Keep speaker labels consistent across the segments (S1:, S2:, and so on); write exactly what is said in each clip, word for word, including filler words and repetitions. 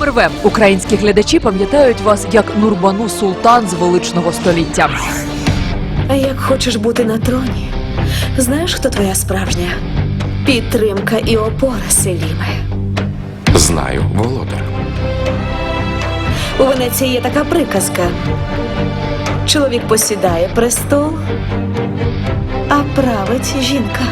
S1: Номер В. Українські глядачі пам'ятають вас як Нурбану Султан з величного століття.
S2: А як хочеш бути на троні, знаєш, хто твоя справжня підтримка і опора, Селіме?
S3: Знаю, володар.
S2: У Венеції є така приказка. Чоловік посідає престол, а править жінка.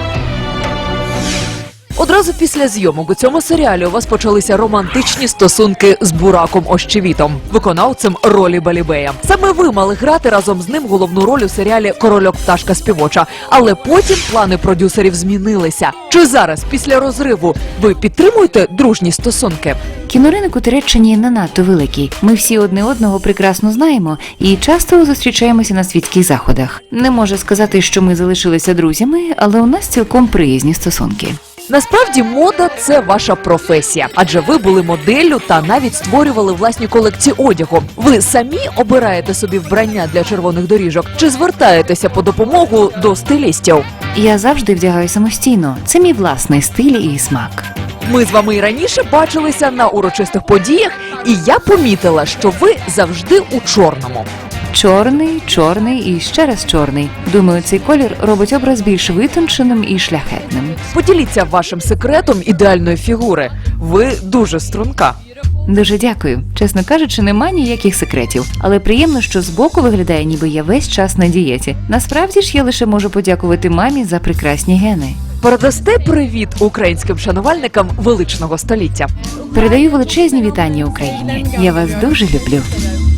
S1: Одразу після зйомок у цьому серіалі у вас почалися романтичні стосунки з Бураком Ощевітом, виконавцем ролі Балібея. Саме ви мали грати разом з ним головну роль у серіалі «Корольок пташка співоча». Але потім плани продюсерів змінилися. Чи зараз, після розриву, ви підтримуєте дружні стосунки?
S4: Кіноринок у Туреччині не надто великий. Ми всі одне одного прекрасно знаємо і часто зустрічаємося на світських заходах. Не можу сказати, що ми залишилися друзями, але у нас цілком приязні стосунки.
S1: Насправді, мода – це ваша професія, адже ви були моделлю та навіть створювали власні колекції одягу. Ви самі обираєте собі вбрання для червоних доріжок чи звертаєтеся по допомогу до стилістів?
S4: Я завжди вдягаю самостійно. Це мій власний стиль і смак.
S1: Ми з вами і раніше бачилися на урочистих подіях, і я помітила, що ви завжди у чорному.
S4: Чорний, чорний і ще раз чорний. Думаю, цей колір робить образ більш витонченим і шляхетним.
S1: Поділіться вашим секретом ідеальної фігури. Ви дуже струнка.
S4: Дуже дякую. Чесно кажучи, нема ніяких секретів. Але приємно, що збоку виглядає, ніби я весь час на дієті. Насправді ж я лише можу подякувати мамі за прекрасні гени.
S1: Передасте привіт українським шанувальникам величного століття.
S4: Передаю величезні вітання Україні. Я вас дуже люблю.